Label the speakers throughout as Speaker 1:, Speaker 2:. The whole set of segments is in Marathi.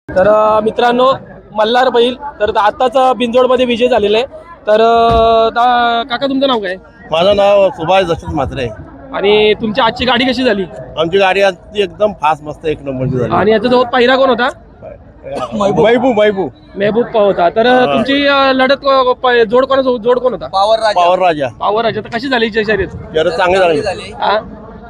Speaker 1: तर मित्रांनो, मल्हार बैल तर आताच बिंजोडमध्ये विजय झालेला आहे. तर काका तुमचं नाव काय?
Speaker 2: माझं नाव सुभाष दशरथ म्हात्रे.
Speaker 1: आणि तुमची आजची गाडी कशी झाली?
Speaker 2: आमची गाडी आज एकदम फास्ट मस्त एक नंबरची झाली.
Speaker 1: आणि याचा जवळ पहिरा कोण होता?
Speaker 2: महबूब
Speaker 1: मेहबूब होता. तर तुमची लढत जोड कोण होता?
Speaker 2: पावर राजा.
Speaker 1: पावर राजा. तर कशी झाली शर्यत?
Speaker 2: जरा चांगली झाली.
Speaker 1: हा?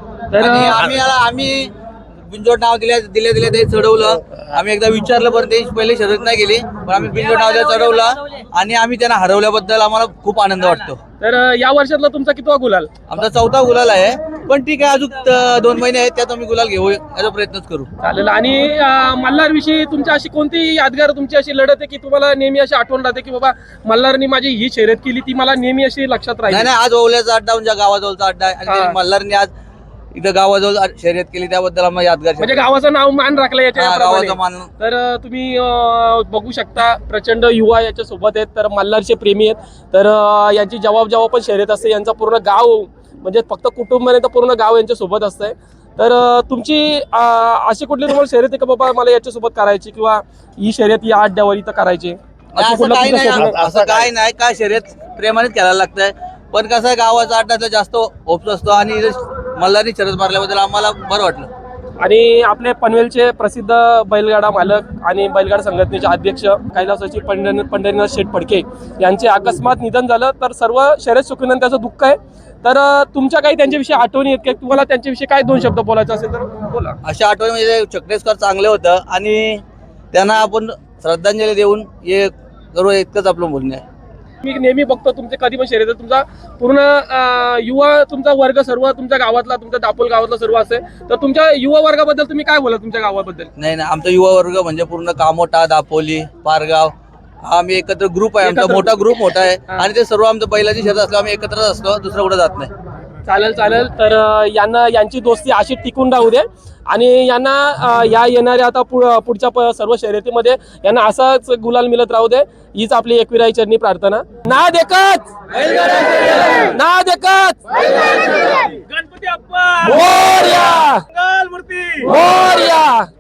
Speaker 1: तर
Speaker 3: आम्ही बिंजोड नाव दिले ते चढवलं. आम्ही एकदा विचारलं पण ते पहिले शर्यत नाही गेली, पण आम्ही बिंजोड नाव चढवलं आणि आम्ही त्यांना हरवल्याबद्दल आम्हाला खूप आनंद वाटतो.
Speaker 1: तर या वर्षातला तुमचा कितवा गुलाल?
Speaker 3: आमचा 4था गुलाल आहे, पण ठीक आहे, अजून 2 महिने आहेत, त्यात आम्ही गुलाल घेऊ याचा प्रयत्नच करू.
Speaker 1: चालेल. आणि मल्हार विषयी तुमची अशी कोणती यादगार तुमची अशी लढत आहे की तुम्हाला नेहमी अशी आठवण राहते की बाबा मल्हारनी माझी ही शर्यत केली, ती मला नेहमी अशी लक्षात राहील?
Speaker 3: नाही, आज ओवल्याचा अड्डा म्हणजे गावाजवळचा अड्डा आहे आणि
Speaker 1: हा.
Speaker 3: मल्हारने आज इथं गावाजवळ शर्यत केली, त्याबद्दल आम्हाला यादगार
Speaker 1: म्हणजे गावाचं नाव मान राखलं याच्या
Speaker 3: गावाचा
Speaker 1: याप्रमाणे.
Speaker 3: मान.
Speaker 1: तर तुम्ही बघू शकता प्रचंड युवा याच्या सोबत आहेत. तर मल्हारचे प्रेमी आहेत. तर यांची जेव्हा पण शर्यत असते यांचा पूर्ण गाव म्हणजे फक्त कुटुंब नाही तर पूर्ण गाव यांच्या सोबत असतंय. तर तुमची अशी कुठली तुम्हाला शर्यत आहे का बाबा मला याच्यासोबत करायची किंवा ही शर्यत या अड्ड्यावर इथं करायची?
Speaker 3: असं काही नाही, असं काही नाही. काय शर्यत प्रेमानेच खेळायला लागतंय, पण कसं आहे गावाचा अड्डा जास्त ओप्स असतो आणि मल्हारनी शर्यत मारल्याबद्दल आम्हाला बरं वाटलं.
Speaker 1: आणि आपले पनवेलचे प्रसिद्ध बैलगाडा मालक आणि बैलगाडा संघटनेचे अध्यक्ष कैलासाची पंढरीनाथ शेठ फडके यांचे अकस्मात निधन झालं. तर सर्व शर्यत सुखीनं त्याचं दुःख आहे. तर तुमच्या काही त्यांच्याविषयी आठवणी आहेत का? तुम्हाला त्यांच्याविषयी काय 2 शब्द बोलायचं असेल तर बोला.
Speaker 3: अशा आठवणी म्हणजे चक्रेश्वर चांगले होतं आणि त्यांना आपण श्रद्धांजली देऊन हे करू, इतकंच आपलं बोलणं आहे.
Speaker 1: मी नेहमी बघतो तुमचे कधी पण शर्यत तुमचा पूर्ण युवा तुमचा वर्ग सर्व तुमच्या गावातला तुमच्या दापोल गावातला सर्व असेल. तर तुमच्या युवा वर्गाबद्दल तुम्ही काय बोला तुमच्या गावाबद्दल?
Speaker 3: नाही, आमचा युवा वर्ग म्हणजे पूर्ण कामोठा, दापोली, पारगाव हा आम्ही एकत्र ग्रुप आहे. आमचा मोठा ग्रुप आहे आणि ते सर्व आमचं बैलाची शर्यत असल्यावर आम्ही एकत्रच असतो, दुसरं कुठे जात नाही.
Speaker 1: चालेल. तर यांची दोस्ती अशी टिकून राहू दे आणि यांना या येणाऱ्या आता पुढच्या सर्व शर्यतीमध्ये यांना असाच गुलाल मिळत राहू दे, हीच आपली एकविराई चरणी प्रार्थना. ना देखत गणपती अप्पा मोरया.